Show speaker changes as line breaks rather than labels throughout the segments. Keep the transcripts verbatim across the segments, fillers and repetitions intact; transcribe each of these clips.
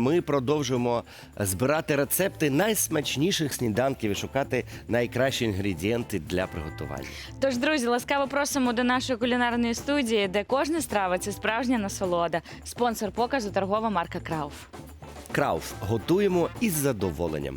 ми продовжуємо збирати рецепти найсмачніших сніданків і шукати найкращі інгредієнти для приготування.
Тож, друзі, ласкаво просимо до нашої кулінарної студії, де кожна страва – це справжня насолода. Спонсор показу – торгова марка Крауф.
Крауф. Готуємо із задоволенням.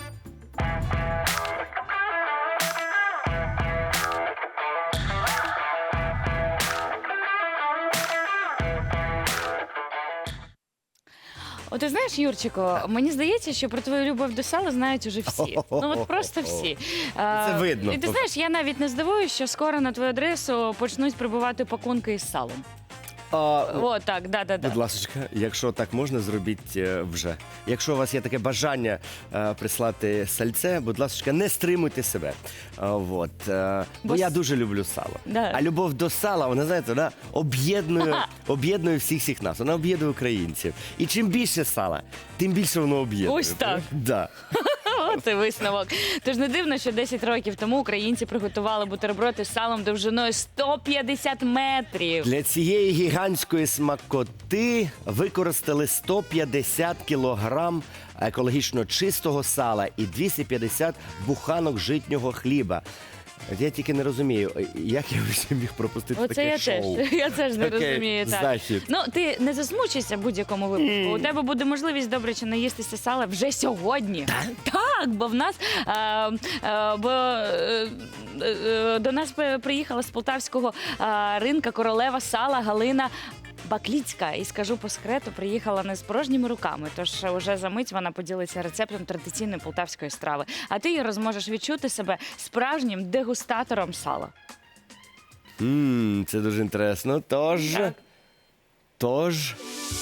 От ти знаєш, Юрчику, мені здається, що про твою любов до сала знають уже всі. Ну от просто всі.
Це видно.
І ти знаєш, я навіть не здивуюся, що скоро на твою адресу почнуть прибувати пакунки із салом.
А,
О, так, да-да-да.
Будь ласка, якщо так можна, зробіть е, вже. Якщо у вас є таке бажання е, прислати сальце, будь ласка, не стримуйте себе. А, вот, е, бо
Бо
я
с-
дуже люблю сало.
Да.
А любов до сала, вона, знаєте, вона об'єднує, об'єднує всіх всіх нас. Вона об'єднує українців. І чим більше сала, тим більше воно об'єднує.
Ось так.
Да.
Це висновок. Тож не дивно, що десять років тому українці приготували бутерброди з салом довжиною сто п'ятдесят метрів.
Для цієї гігантської смакоти використали сто п'ятдесят кілограм екологічно чистого сала і двісті п'ятдесят буханок житнього хліба. Я тільки не розумію, як я ще міг пропустити
Оце
таке
я
шоу.
теж. Я теж не
Окей,
розумію. Так.
значить.
Ну, ти не засмучишся в будь-якому випадку. У тебе буде можливість добре чи наїстися сала вже сьогодні. Так, бо в нас а, а, бо, е, е, до нас приїхала з полтавського а, ринка королева сала Галина Бакліцька. І скажу по секрету, приїхала не з порожніми руками, тож уже за мить вона поділиться рецептом традиційної полтавської страви. А ти, Іро, зможеш відчути себе справжнім дегустатором сала.
Ммм, це дуже інтересно. Тож,
Так.
тож...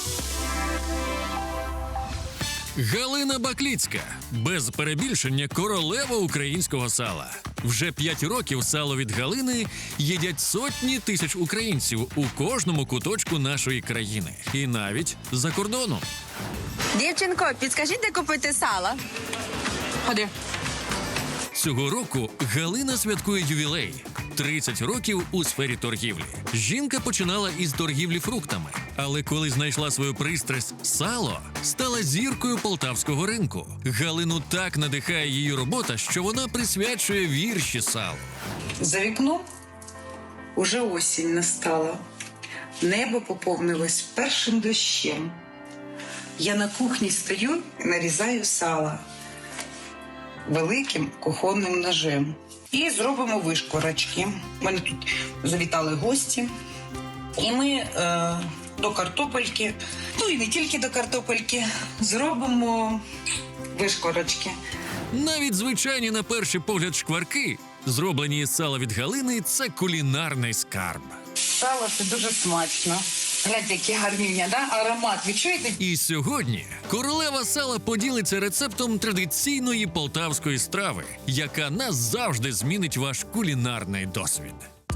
Галина Бакліцька. Без перебільшення королева українського сала. Вже п'ять років сало від Галини їдять сотні тисяч українців у кожному куточку нашої країни. І навіть за кордоном.
Дівчинко, підскажіть, де купити сало? Ходи.
Цього року Галина святкує ювілей – тридцять років у сфері торгівлі. Жінка починала із торгівлі фруктами, але коли знайшла свою пристрасть – сало, стала зіркою полтавського ринку. Галину так надихає її робота, що вона присвячує вірші салу.
За вікном уже осінь настала. Небо поповнилось першим дощем. Я на кухні стою і нарізаю сало великим кухонним ножем. І зробимо вишкорочки. У мене тут завітали гості. І ми е, до картопельки, ну і не тільки до картопельки, зробимо вишкорочки.
Навіть звичайні на перший погляд шкварки, зроблені із сала від Галини – це кулінарний скарб.
Сало це дуже смачно. Гляньте, які гарніння, да? Аромат. Відчуєте?
І сьогодні королева сала поділиться рецептом традиційної полтавської страви, яка назавжди змінить ваш кулінарний досвід.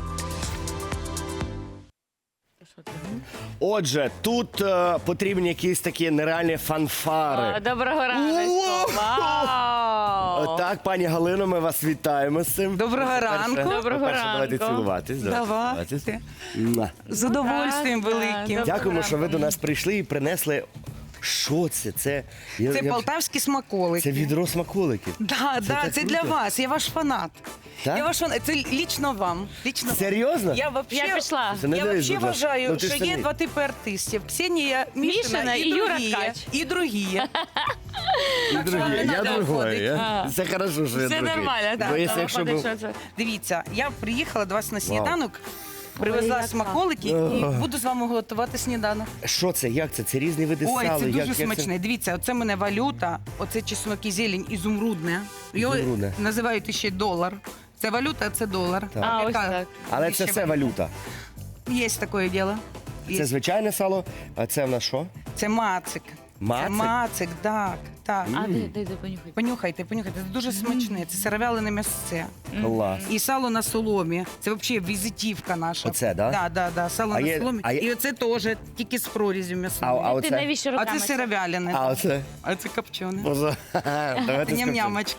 Отже, тут е, потрібні якісь такі нереальні фанфари.
О, доброго ранку! Вау!
Так, пані Галино, ми вас вітаємо з цим.
Доброго
По-перше-
ранку.
Доброго
по-перше, давайте
ранку.
цілуватись.
Давайте.
цілуватись. Муа.
З удовольствием
Так,
великим.
так.
Дякуємо, що ви до нас прийшли і принесли. Що це? Це, я-
Це
я-
полтавські смаколики.
це відро смаколиків.
Да, да,
так
це
круто.
для вас. Я ваш фанат.
Так?
Я ваш фанат. Це лічно вам. Лічно вам.
Серйозно?
Я вообще,
Я пішла.
Це не
я
дивись,
вообще
будь ласка.
вважаю,
Ну, ти ж
що є
самі.
два типи артистів. Ксенія Мішина,
Мішина
і,
і Юра
другі.
Ткач.
І другі.
І другі.
не
Я
надо
другой.
входити.
я- Це хорошо, що я
Все
другий.
нормально,
Бо
так.
якщо- якщо
Виходить,
був-
що це?
Дивіться, я приїхала до вас на сніданок, привезла
яка.
смаколики і буду з вами готувати сніданок.
Що це? Як це? Це різні види
Ой,
сала?
це дуже
Як- як
смачне. Дивіться, оце в мене валюта, оце чеснок і зелень ізумрудне. Його
Ізумрудне.
називають ще долар. Це валюта, а це долар.
А, ось
Яка
так.
Але це
ще
все валюта.
Є таке діло. Є.
Це звичайне сало, а це в нас що?
Це мацик.
Мацик?
Це мацик, так, так.
А, дай, дай, дай, понюхай.
Понюхайте, понюхайте. Це дуже смачне. Це сировялене м'ясце.
Клас.
І сало на соломі. Це взагалі візитівка наша.
Оце, да?
Да, да, да. Сало
А
на
є-
соломі.
а є-
І оце теж тільки з прорізю
А,
м'ясною.
а
Ти
оце?
навіщо
А
руками?
це сировялене.
А оце?
А це копчене.
Боже, давайте скажемо.
Ням-нямочка.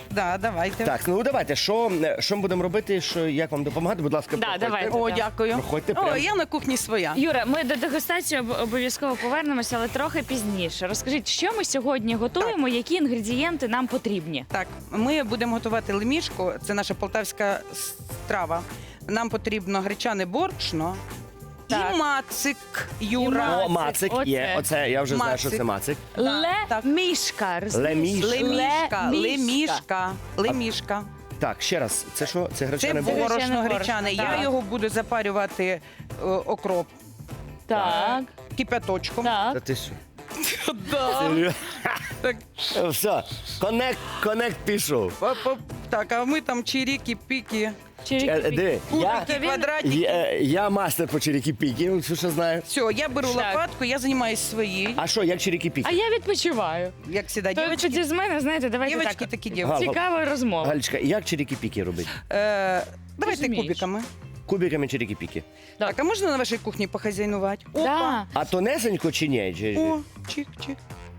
Да, давайте.
Так, ну давайте, що, що ми будемо робити, що, як вам допомагати? Будь ласка,
Да,
проходьте.
давайте.
О,
Да.
дякую.
Проходьте
О,
прямо.
я на кухні своя.
Юра, ми до дегустації об- обов'язково повернемося, але трохи пізніше. Розкажіть, що ми сьогодні готуємо, які інгредієнти нам потрібні?
Так, ми будемо готувати лемішку. Це наша полтавська страва. Нам потрібно гречане борошно
Так.
і мацик, Юра.
мацик.
О, мацик
Оце.
є. Оце я вже знаю, що
Мацик.
це мацик.
так.
Лемішка.
Лемішка.
Лемішка, лемішка, лемішка.
Так, ще раз, це що? Це
Це
гречане
було.
борошно?
борошно
борошно,
гречане. Я
так.
його буду запарювати е, окроп
Так,
кипяточком.
Та
так.
ти що?
Да.
Серйозно?
Так,
Все, коннект, коннект пішов.
оп-оп. Так, а ми там чиріки, піки,
Чирики.
Е, Диви, я,
кубики, квадратики.
я, я мастер по черіки-піки, що знаю.
Все, я беру
Так.
лопатку, я займаюся своєю.
А що, як черіки-піки?
А я відпочиваю.
Як завжди,
То
дівчатки.
тоді з мене, знаєте, давайте
Дівчатки
так.
такі
Га-
дівчатки.
Цікава розмова.
Галечка, як черіки-піки робити?
Е, давайте
Розумієш.
кубиками.
Кубиками черіки-піки.
Так, а можна на вашій кухні похазяйнувати?
Да.
А тонесенько чи ні? Чи-
О, чик-чик.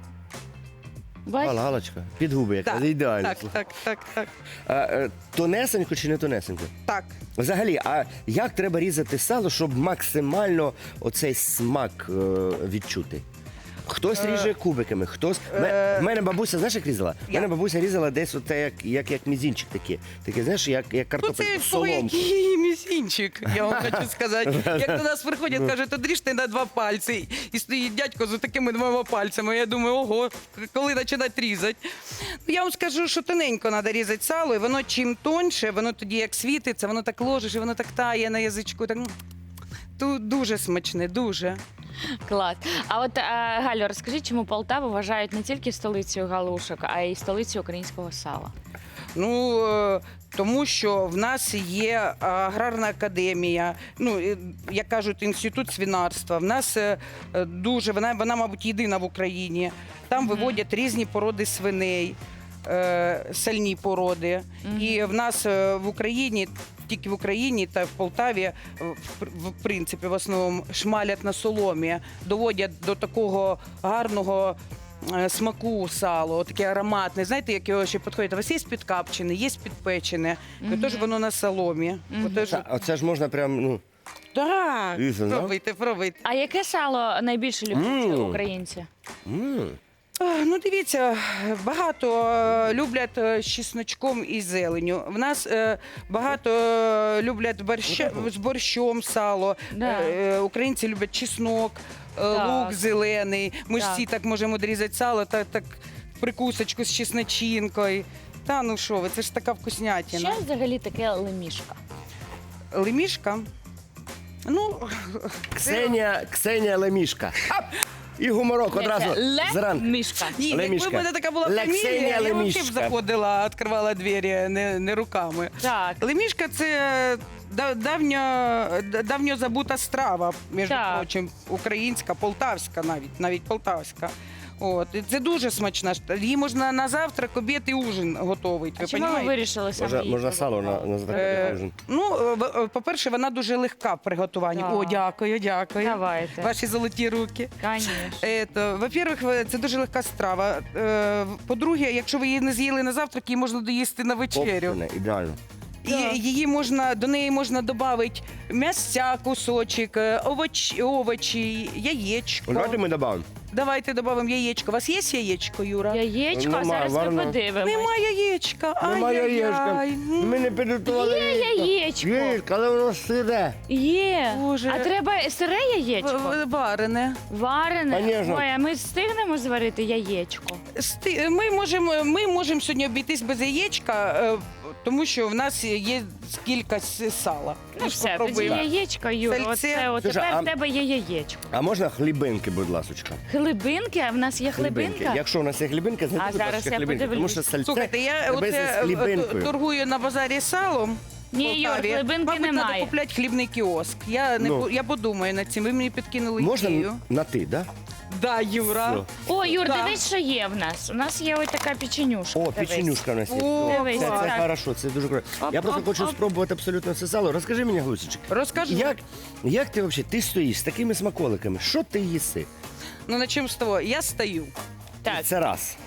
Бач?
Гала, Галочка, під губи яка,
Так,
ідеально.
так, так, так, так.
А, е, тонесенько чи не тонесенько?
Так.
Взагалі, а як треба різати сало, щоб максимально оцей смак е, відчути? Хтось ріже кубиками, хтось. Ме- В мене бабуся, знаєш, як різала? В мене
Як?
бабуся різала десь оте, як, як, як мізінчик такий. Таке, знаєш, як, як
Ну,
картопель
це
в
твій
соломку.
який мізинчик, я вам хочу сказати. Як до нас приходять, кажуть, одріжте на два пальці. І стоїть дядько з такими двома пальцями. Я думаю, ого, коли починати різати. Ну, я вам скажу, що тоненько треба різати сало, і воно чим тоньше, воно тоді як світиться, воно так ложиш, і воно так тає на язичку. Так, м, ту- дуже смачне, дуже.
Клас. А от е, Галю, розкажіть, чому Полтаву вважають не тільки столицею галушок, а й столицею українського сала?
Ну е, тому що в нас є аграрна академія, ну е, як кажуть, інститут свинарства. В нас е, е, дуже вона, вона, мабуть, єдина в Україні. Там виводять різні породи свиней, е, сальні породи. І в нас е, в Україні. Тільки в Україні та в Полтаві е, в, в принципі в основному шмалять на соломі, доводять до такого гарного е, смаку сало, таке ароматне. Знаєте, як його ще підходить? У вас є підкапчене, є підпечене, mm тож воно на соломі. Отож,
Та, Оце ж можна прям, ну,
так,
Дивіться, да?
пробуйте, пробуйте.
А яке сало найбільше люблять
Мм.
українці?
м.
А, Ну, дивіться, багато е, люблять е, з чесночком і зеленю. В нас е, багато е, люблять борща, з борщом сало.
Да.
Е, е, українці люблять чеснок, е,
Так.
лук зелений. Ми ж
Так.
всі так можемо дорізати сало, так, так прикусочку з чесночинкою. Та ну що ви, це ж така вкуснятина.
Що взагалі таке лемішка?
Лемішка. Ну,
Ксенія, Ксенія Лемішка. Ап! І гуморок одразу зранку.
Лемішка.
ні, якби
Лемішка.
в мене така була
Лексенія
фамілія, я взагалі б
Лемішка.
заходила, відкривала двері не, не руками.
Так.
Лемішка це да- давня, да- давньо забута страва, між
Так.
прочим, українська, полтавська навіть, навіть полтавська. От. І це дуже смачна. ш- Її можна на завтрак, обід і ужин готовить.
А
Ви
чому ви
понімаєте?
вирішили саме
Можна,
її
можна сало на,
приготувати?
на
Е,
закритий
ну, е, в- е, по-перше, вона дуже легка в приготуванні.
Так.
О, дякую, дякую.
Давайте.
Ваші золоті руки.
Конечно.
Ето, во-первых, ви- це дуже легка страва. Е, По-друге, якщо ви її не з'їли на завтрак, її можна доїсти на вечерю.
Копчене, ідеально.
Так.
І її можна до неї можна додати м'ясця, кусочок, е, овоч, овочі, яєчко.
Давайте ми додамо.
Давайте додамо яєчко. У вас є яєчко, Юра?
Яєчко,
Нема,
зараз ми
варно.
подивимось.
Нема яєчка.
Немає яєчка.
Ай-яй-яй. М.
Ми не підготували
Є яєчко.
Яєчко, але воно сире.
Є.
Боже.
А треба сире яєчко?
В- Варене.
Варене?
Конечно.
Ой, а ми встигнемо зварити яєчко?
Сти- Ми можемо, ми можемо сьогодні обійтись без яєчка, е, тому що в нас є кілька с- сала.
Ну
Ми ж
все, тоді
попробуємо.
яєчко, Юра.
Сальце.
Оце, от
Слушай,
тепер
а-
в тебе є яєчко.
А можна хлібинки, будь ласочка?
Хлібинки? А в нас є хлібинка?
Якщо у нас є хлібинка, знайдіть,
А
будь
зараз
ласка,
я
хлібинки. Тому
подивлюсь.
що сальце
Слухайте, я
тебе
оце
з
е,
хлібинкою.
торгую на базарі салом. в
Ні, Юр,
Полтаві.
хлібинки
Мабуть,
немає.
треба купляти хлібний кіоск. Я, не,
Ну.
по- я подумаю над цим. Ви мені підкинули
Можна
ідею.
на ти, да?
Да, Юра.
Все.
О, Юр,
Да.
дивись, що є в нас. У нас є ось така печенюшка.
О,
дивись.
печенюшка у нас є.
О,
Дивись,
Це,
клас.
це
так.
хорошо, це дуже круто.
Оп,
Я просто
оп,
хочу
оп.
спробувати абсолютно все сало. Розкажи мені, Глусічик,
Розкажу.
як, як ти взагалі, ти стоїш з такими смаколиками, що ти їси?
Ну, на чим з того? Я стою.
Так.
Це раз.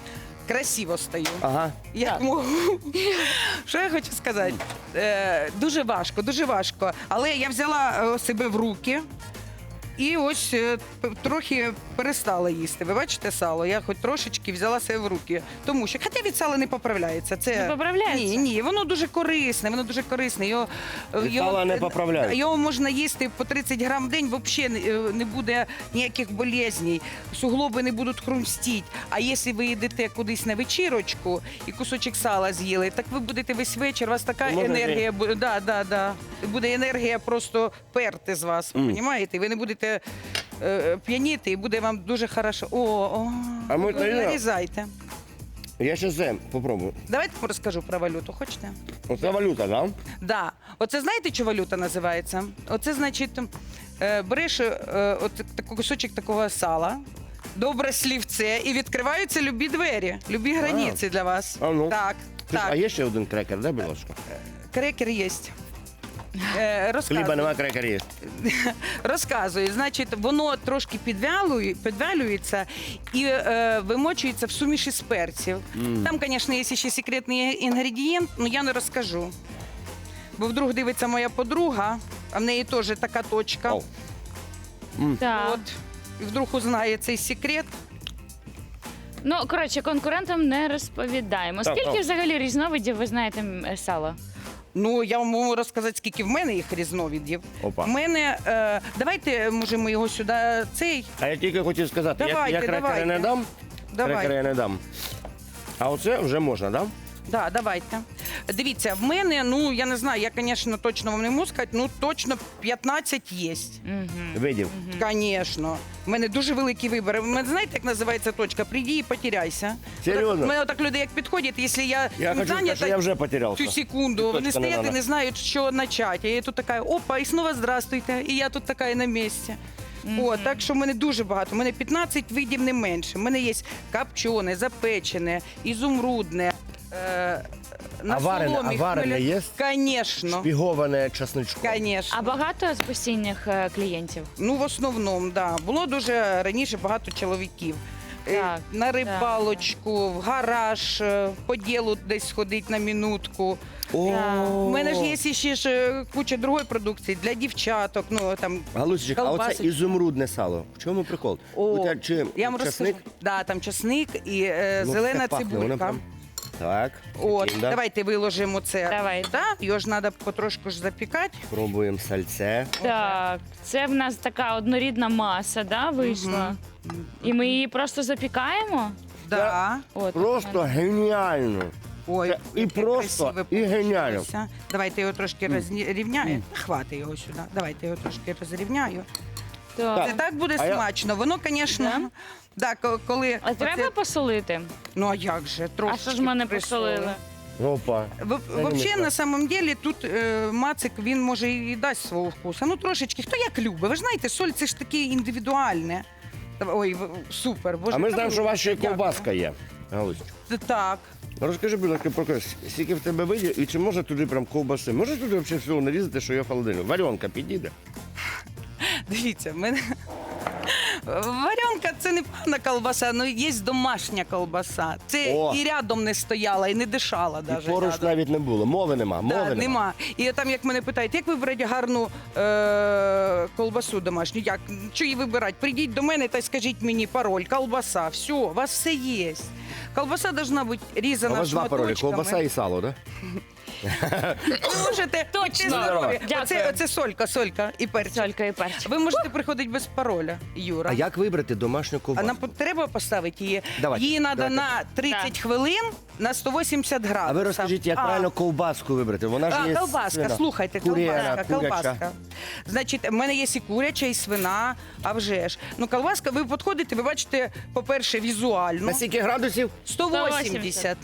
красиво стою.
Ага.
Як можу. Що я хочу сказати? Е, дуже важко, дуже важко. Але я взяла е, себе в руки і ось е, п- трохи перестала їсти. Ви бачите сало? Я хоч трошечки взяла себе в руки. Тому що, хоча від сала не поправляється. Це...
Не поправляється?
Ні, ні, воно дуже корисне, воно дуже корисне. Його,
Від сала не поправляється?
Його можна їсти по тридцять грам в день, взагалі не буде ніяких болезней, суглоби не будуть хрустіти. А якщо ви йдете кудись на вечірочку і кусочок сала з'їли, так ви будете весь вечір, у вас така
Може,
енергія буде, да, да, да. Буде енергія просто перти з вас,
Мм.
розумієте? Ви не будете е, п'яніти і буде вам дуже хорошо. О, о,
А ми
ви
тоді-
нарізайте.
Я ще це попробую.
Давайте розкажу про валюту, хочете?
Оце валюта, да?
Да. Оце знаєте, що валюта називається? Оце значить, е, береш е, от такий кусочок такого сала, добре слівце, і відкриваються любі двері, любі границі для вас.
А ну.
Так,
Ти ж-
так.
А є ще один крекер, да, будь ласка?
Крекер є. Е, розказую.
Хліба нема, крекер є.
Розказую. Значить, воно трошки підвялює, підвялюється і е, вимочується в суміші з перців. Там, звісно, є ще секретний інгредієнт, але я не розкажу. Бо вдруг дивиться моя подруга, а в неї теж така точка.
Ау.
Так.
От. І вдруг узнає цей секрет.
Ну, коротше, конкурентам не розповідаємо.
Так,
Скільки
так.
взагалі різновидів ви знаєте м, е, сала?
Ну, я вам можу розказати, скільки в мене їх різновидів.
Опа.
В мене, е, давайте, може, ми його сюди, цей,
А я тільки хотів сказати, я,
Давайте,
я крекери
давайте.
не дам.
давай.
Крекери я не дам. А оце вже можна, да?
Да, давайте. Дивіться, в мене, ну, я не знаю, я, звісно, точно вам не можу сказати, ну, точно п'ятнадцять є.
Угу.
Видів.
Звісно. У мене дуже великий вибір. У мене, знаєте, як називається точка? Прийди і потеряйся.
Серйозно?
У мене отак люди як підходять, якщо я,
Я
цим
хочу сказати, що я вже потерявся.
цю секунду,
Точка
вони
не
стоять і
надо.
не знають, що почати. А я тут така, опа, і знову здравствуйте. І я тут така на місці. О, так що в мене дуже багато. У мене п'ятнадцять видів не менше. У мене є копчене, запечене, ізумрудне. Е, на
А варене-
соломі,
а варене
хмеля-
є?
Конечно.
Шпіговане часничком.
Конечно.
А багато з постійних е, клієнтів?
Ну, в основному, да. Було дуже раніше багато чоловіків. Е,
Так,
на рибалочку, в гараж, е, по ділу десь сходить на минутку.
О,
У мене ж є ще ж е, куча другої продукції для дівчаток. Ну, там,
Галусечка, а оце
колбасочки.
ізумрудне сало. В чому прикол?
О,
У тебе чи
я вам
часник?
розкажу. Да, там часник і е,
Ну,
зелена
все пахне, воно
цибулька.
прям- Так,
От,
прикинь, да?
давайте виложимо це.
Давай.
Да? Його ж треба потрошку ж запікати.
Пробуємо сальце.
Так, це в нас така однорідна маса, да, вийшла. І ми її просто запікаємо.
Да.
От,
Просто геніально.
Ой,
Це і
яке
просто,
красиве
і геніально.
получилося. Давайте його трошки розрівняю. Хвати його сюди. Давайте його трошки розрівняю.
Так.
Це так буде
А я-
смачно. Воно, звісно, да, ко- коли
А треба
оце-
посолити?
ну а як же?
А
Трошки
що ж мене
присолили.
посолили?
Опа.
В- Взагалі, на самом деле, тут е, мацик, він може і дасть свого вкусу. Ну, трошечки. Хто як любить? Ви ж знаєте, соль це ж таке індивідуальне. Ой, в- супер. Боже,
А ми
та
знаємо,
ви-
що у вас ще й
Дякую.
ковбаска є. Галусечка.
Так.
Розкажи, будь ласка, про кось, скільки в тебе видів і чи можна туди прям ковбаси? Може туди взагалі всього нарізати, що є в холодильнику? Варіонка підійде?
Дивіться, в мене варенка це не певна колбаса, але є домашня колбаса. Це
О!
і рядом не стояла, і не дишала
І
навіть.
поруч навіть не було. Мови нема. Мови
Да,
нема.
нема. І там, як мене питають, як вибрати гарну е- колбасу домашню? Як? Що її вибирати? Прийдіть до мене та й скажіть мені пароль, колбаса, все, у вас все є. Колбаса должна бути
А
різана
у вас два паролі,
шматочками.
ковбаса і сало, так?
Ви можете,
Точно.
будьте здорові.
Дякую.
Оце, оце солька, солька і перчик.
Солька і перчик.
Ви можете приходити без пароля, Юра.
А як вибрати домашню
А
ковбасу?
нам по- треба поставити її.
Давайте,
Її треба
давайте.
на тридцять
Так.
хвилин на сто вісімдесят градусів.
А ви розкажіть, як
А,
правильно ковбаску вибрати? Вона ж
А,
є
колбаска,
свина.
слухайте,
Куряна,
колбаска,
куряча.
колбаска. Значить, в мене є і куряча, і свина, а вже ж. Ну, колбаска, ви підходите, ви бачите, по-перше, візуально.
На скільки градусів?
сто вісімдесят.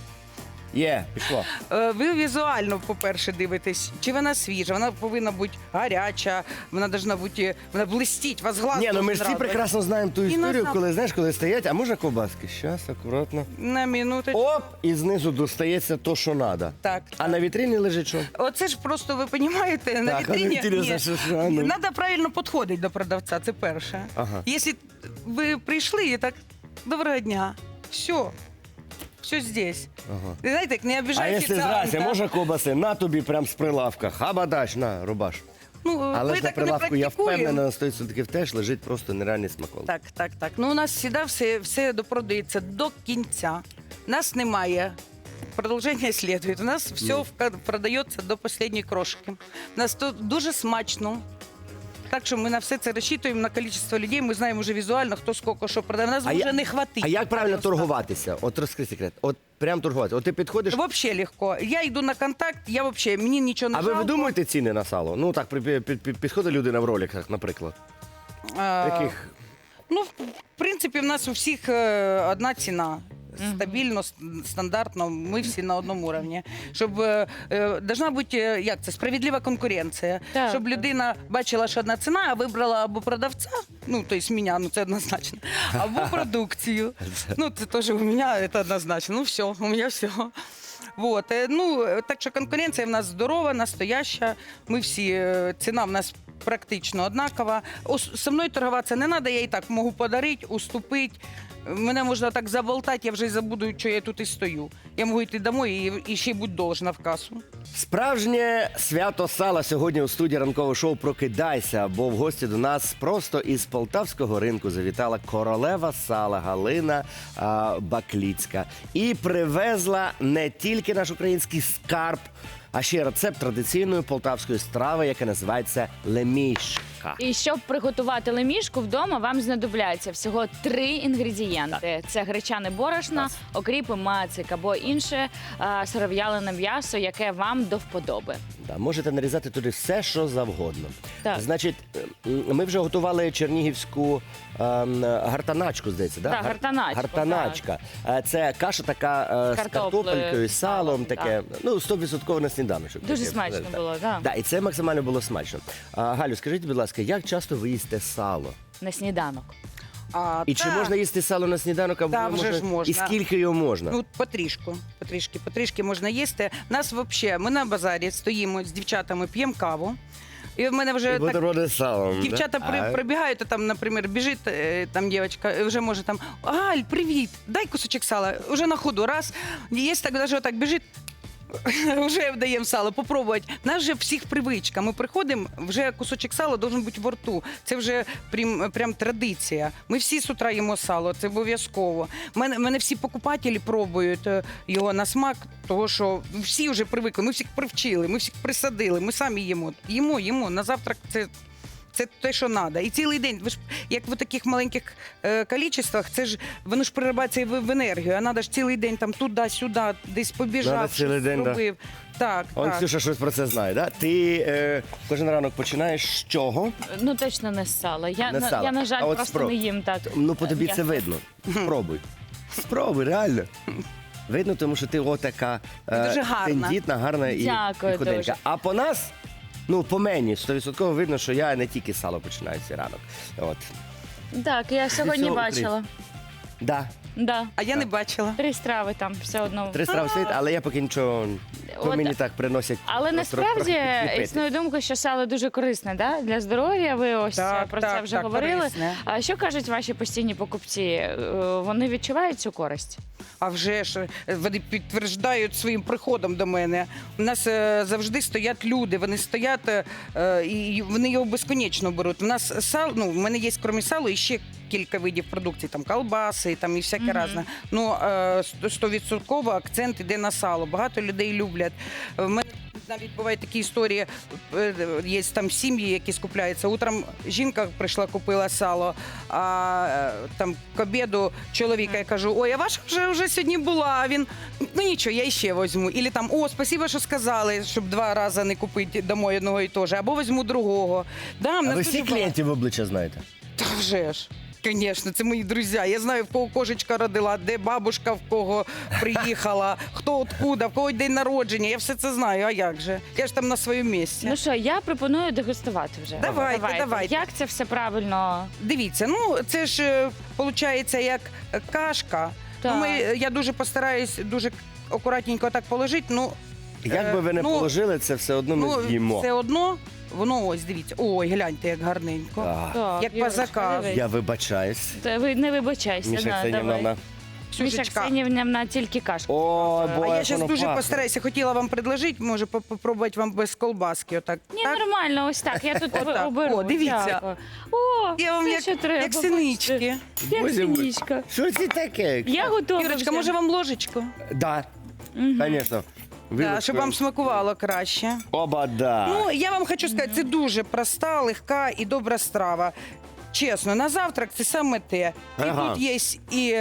Є, пішло.
Е, Ви візуально, по-перше, дивитесь, чи вона свіжа, вона повинна бути гаряча, вона повинна бути, вона блистіть, вас глаз
Ні, ну ми
должен
ж всі
радувати.
прекрасно знаємо ту
І
історію,
на-
коли, знаєш, коли стоять, а можна ковбаски? Щас, акуратно.
На минуточку.
Оп! І знизу достається то, що треба.
Так.
А на вітріні лежить що?
Оце ж просто, ви розумієте, на
Так, а
вітрині
інтересно,
ні.
що ж, а ну.
Треба правильно підходити до продавця, це перше.
Ага.
Якщо ви прийшли і так, доброго дня, все. Все здесь.
Ага.
Ви знаєте, як не
А
обіжай
якщо
офіціанта.
здрасте, можна ковбаси? На тобі прям з прилавка. Хабадач, на, рубаш.
Ну,
Але
ми
ж на
так не
прилавку, я
практикуємо.
впевнена, на сто відсотків теж лежить просто нереальний смаколик.
Так, так, так. Ну, у нас завжди все, все допродається до кінця. Нас немає. Продовження слідує. У нас все
Ну.
вка- продається до останньої крошки. У нас тут дуже смачно. Так що ми на все це розчитуємо, на кількість людей. Ми знаємо вже візуально, хто скільки що продає. Нас
А
вже
я-
не хватить.
А як правильно
Просто.
торгуватися? От розкрий секрет. От прям торгуватися. От ти підходиш,
Вообще легко. Я йду на контакт, я вообще, мені нічого не
а ви
жалко.
видумуєте ціни на сало? Ну так, при- під- під- під- підходить людина в роликах, наприклад.
А,
Яких?
Ну, в принципі, в нас у всіх е, одна ціна. Стабільно, с- стандартно, ми всі на одному рівні. Щоб е, е, должна бути, е, як це, справедлива конкуренція.
Так,
Щоб
так.
людина бачила, що одна ціна, а вибрала або продавця, ну, тобто мене, ну це однозначно, або продукцію. Ну, це теж у мене, це однозначно. Ну, все, у мене все. Вот. е, Ну, е, так що конкуренція в нас здорова, настояща. Ми всі, е, ціна в нас практично однакова. Ос- Со мною торгуватися не треба, я і так можу подарити, уступити. Мене можна так заболтати, я вже й забуду, що я тут і стою. Я можу йти домой і, і ще й будь должна в касу.
Справжнє свято сала сьогодні у студії ранкового шоу «Прокидайся», бо в гості до нас просто із полтавського ринку завітала королева сала Галина а, Бакліцька. І привезла не тільки наш український скарб, а ще рецепт традиційної полтавської страви, яка називається лемішка.
І щоб приготувати лемішку вдома, вам знадобляться всього три інгредієнти: це гречане борошно,
Клас.
окріпи, мацик або інше а, сиров'ялене м'ясо, яке вам до вподоби.
Да, можете нарізати туди все, що завгодно.
Так.
Значить, м, ми вже готували чернігівську ем, гартаначку, здається, да?
Так,
Гар-
гартаначку,
Гартаначка. Е, Це каша така е, з
картоплею,
картопелькою, з салом,
салом,
таке, ну, сто відсотків на сніданочок.
Дуже
таке,
смачно
так.
було, так.
Да, і це максимально було смачно. А, Галю, скажіть, будь ласка, як часто ви їсте сало?
На сніданок.
А,
І чи
та,
можна їсти сало на сніданок, або
Та, вже ж можна.
і скільки його можна?
Ну, потрішку, потрішки, потрішки можна їсти. Нас взагалі, ми на базарі стоїмо з дівчатами, п'ємо каву. І в мене вже
І
так
бутерброди з салом.
дівчата
да?
при,
А,
пробігають, а там, наприклад, біжить е, там дівчинка, і вже може там Галь, привіт, дай кусочок сала. Уже на ходу, раз. Є так, навіть отак біжить. Вже даємо сало, попробувати. Нас же всіх привичка. Ми приходимо, вже кусочок сала должен бути в рту. Це вже прям, прям традиція. Ми всі з утра їмо сало, це обов'язково. Мене, мене всі покупателі пробують е, його на смак, того що всі вже привикли. Ми всіх привчили, ми всіх присадили, ми самі їмо. Їмо, їмо. На завтрак це. Це те, що треба. І цілий день, ви ж як в таких маленьких е, кількостях, це ж воно ж переробляється і в, в енергію. А треба ж цілий день там туди-сюди, десь побіжав,
Надо цілий
щось
день, да.
зробив. Так,
Он
так.
Ксюша щось про це знає, да? Ти е, кожен ранок починаєш з чого?
Ну точно не з сала. Я,
Не
на,
сала.
я на жаль,
А от
просто
спроб-
не їм так.
Ну, по тобі
Я-
це видно. Спробуй. Спробуй, реально. Видно, тому що ти отака е,
Дуже гарна.
тендітна, гарна і,
Дякую
і худенька.
дуже.
А по нас, ну, по мені, сто відсотків видно, що я не тільки з сало починаю цей ранок. От.
Так, я сьогодні
цього
бачила.
Да.
Да.
А я не бачила.
Три страви там все одно.
Три страви стоїть, але я поки нічого, то
От,
мені так приносять.
Але
просто
насправді
трохи підліпити.
існує думка, що сало дуже корисне, да? Для здоров'я. Ви ось
Так,
про
так,
це вже
так,
говорили.
корисне.
А що кажуть ваші постійні покупці? Е, Вони відчувають цю користь?
А вже ж е, вони підтверджують своїм приходом до мене. У нас е, завжди стоять люди, вони стоять е, е, і вони його безконечно беруть. У нас сал, ну, в мене є, крім салу, ще кілька видів продукції, там колбаси, там і всяке
Мгм.
разне. Ну, стовідсотково акцент іде на сало. Багато людей люблять. В мене навіть бувають такі історії, е, є там сім'ї, які скупляються. Утром жінка прийшла, купила сало, а е, там к обіду чоловіка я кажу, ой, а ваша вже, вже сьогодні була, а він, ну нічого, я ще візьму. Ілі там, о, спасибо, що сказали, щоб два рази не купити домой одного і того ж, або візьму другого. Да, в
А
нас
ви
дуже
всі
багато.
клієнтів в обличчя знаєте?
Та вже ж. Звісно, це мої друзі. Я знаю, в кого кошечка родила, де бабушка в кого приїхала, хто откуда, в кого день народження. Я все це знаю. А як же? Я ж там на своєму місці.
Ну що, я пропоную дегустувати вже.
Давайте, давайте.
Як це все правильно?
Дивіться, ну це ж виходить як кашка.
Так.
Ну, ми, я дуже постараюсь дуже акуратненько так положити. Ну,
Як би ви не
ну,
положили, це все одно ми
ну
з'їмо.
все одно, воно ось, дивіться. Ой, гляньте, як гарненько.
А,
Так,
Як по
Юрочка,
заказу.
дивись.
я вибачаюсь.
Та ви не вибачайся.
Міша
на,
Ксенівна,
давай. Міша
Ксюшечка.
Ксенівна тільки кашку.
О,
А
бо
я
як
зараз
воно
дуже
пахне.
постараюся. Хотіла вам предложити, може, поп- попробувати вам без колбаски. Отак.
Ні,
так?
нормально, ось так. Я тут
Отак.
оберу.
О, дивіться.
Дякую. О,
Я вам
все,
як,
що треба,
як
бачите.
синички.
Як
Боже мой.
синичка.
Що це таке?
Я готова.
Ірочка,
вже.
може вам ложечку?
Да, звісно.
Да, щоб вам смакувало краще.
Оба, да.
Ну, я вам хочу сказати, це дуже проста, легка і добра страва. Чесно, на завтрак це саме те. І
Ага.
тут є і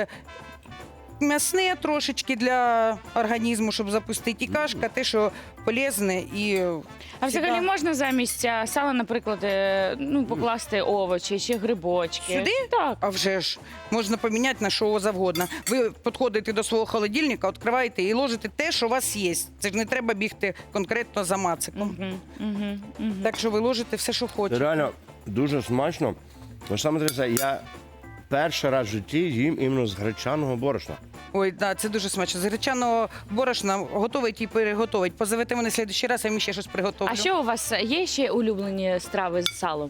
м'ясне трошечки для організму, щоб запустити, і кашка, те, що полезне і.
А взагалі
всегда-
можна замість а, сала, наприклад, е, ну, покласти овочі чи грибочки?
Сюди?
Так.
А вже ж можна поміняти на що завгодно. Ви підходите до свого холодильника, відкриваєте і ложите те, що у вас є. Це ж не треба бігти конкретно за мациком.
Угу, угу, угу.
Так що ви ложите все, що
Це
хочете.
реально дуже смачно. Ну, саме інтересне, я перший раз в житті їм іменно з гречаного борошна.
Ой, да, це дуже смачно. З гречаного борошна готовить і переготовить. Позовете мене слідчий раз, я їм ще щось приготовлю.
А що у вас є ще улюблені страви з салом?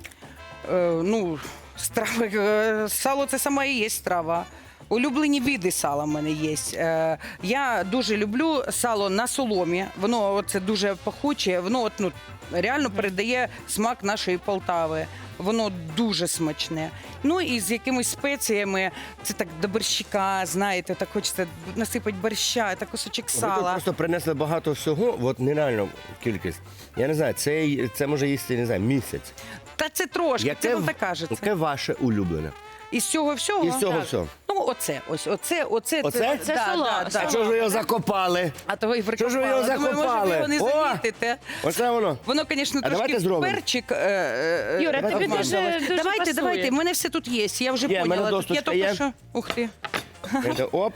Е, ну, страви, е, сало це сама і є страва. Улюблені види сала в мене є. Е, я дуже люблю сало на соломі. Воно це дуже пахуче, воно от, ну, реально передає смак нашої Полтави. Воно дуже смачне. Ну і з якимись спеціями, це так до борщика, знаєте, так хочеться насипати борща, так кусочок
Ви тут
сала.
просто принесли багато всього, от нереально кількість. Я не знаю, це, це може їсти, не знаю, місяць.
Та це трошки, це вам так кажеться.
яке ваше улюблене?
Із цього всього?
Із цього
Так.
всього.
Ну, оце, ось, оце, оце.
Оце?
Це село,
да,
А чого ж ви його закопали?
А то ви
Що ж ви його
прикопали. Думаю, може,
закопали?
ви його не
О!
замітите.
Оце воно.
Воно, звісно,
А давайте
трошки
зробимо.
перчик. е, е,
Юра,
е,
тобі
обмазалось.
дуже- дуже
Давайте,
пасує.
давайте, в мене все тут є, я вже
Є, в мене
поняла. Тут я
досточка
тільки
є.
що. Ух ти.
Це оп,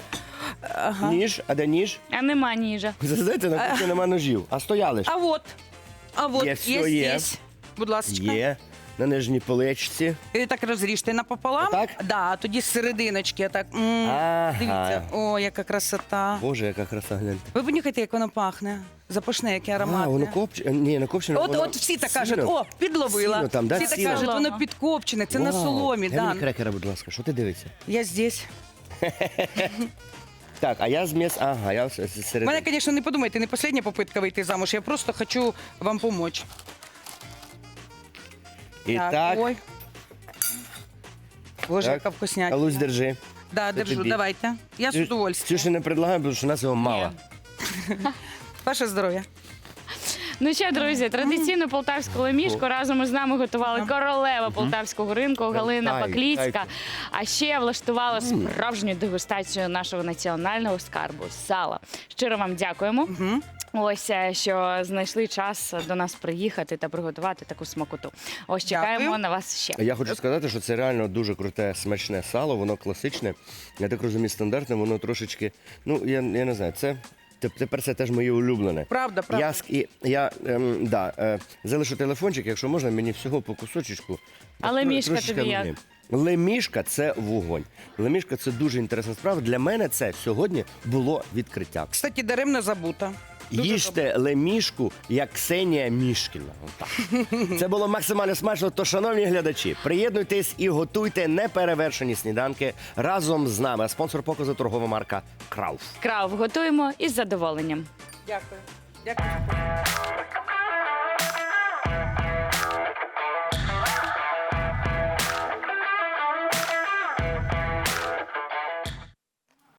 ніж, а де ніж?
А нема ніжа.
Знаєте, на кухні нема ножів, а стояли ж.
А от, а от,
Є,
є,
все
є.
є.
Будь ласка.
Є, на нижній поличці.
І так розріжте напополам.
Отак?
Да, а тоді з серединочки. Так. м,
Ага.
Дивіться, о, яка красота.
Боже, яка краса, гляньте.
Ви понюхайте, як воно пахне. Запашне, яке
А,
ароматне.
воно копче. Ні, не копчене.
От,
воно
от всі так
сіно.
кажуть, о, підловила.
Сіно там, да,
всі так
сіно?
кажуть, воно
Ага.
підкопчене, це на
Вау.
соломі.
Дай
Да.
мені крекера, будь ласка, що ти дивишся?
Я здесь.
Так, а я з м'яс... Ага, я з- з
У
середини.
мене, звісно, не подумайте, не остання попитка вийти замуж. Я просто хочу вам допомогти.
І так,
Ой. Боже,
Так.
яка вкуснятина.
Алусь, держи.
Да,
Це
держу,
тобі.
давайте. Я з
Цю-
удовольствием.
Цю ще не предлагаю, тому що у нас його мало.
Ваше здоров'я.
Ну що, друзі, традиційну полтавську лемішку разом із нами готували королева полтавського ринку Галина
Тай,
Пакліцька.
тайте.
А ще влаштувала справжню дегустацію нашого національного скарбу сала. Щиро вам дякуємо. Ось е, що знайшли час до нас приїхати та приготувати таку смакоту. Ось чекаємо
Дякую.
на вас ще.
Я хочу сказати, що це реально дуже круте, смачне сало, воно класичне. Я так розумію, стандартне, воно трошечки, ну, я, я не знаю, це теп- тепер це теж моє улюблене.
Правда, правда.
Я, ск- і, я ем, да, е, залишу телефончик, якщо можна, мені всього по кусочечку.
Але
Тро-
мішка
трошечки
тобі як?
вогню. Лемішка – це вогонь. Лемішка – це дуже інтересна справа. Для мене це сьогодні було відкриття.
Кстати, даремно забута. Дуже
Їжте лемішку, як Ксенія Мішкіна. Отак. Це було максимально смачно. То, шановні глядачі, приєднуйтесь і готуйте неперевершені сніданки разом з нами. Спонсор показу торгова марка Крауф.
Крав готуємо із задоволенням.
Дякую. Дякую.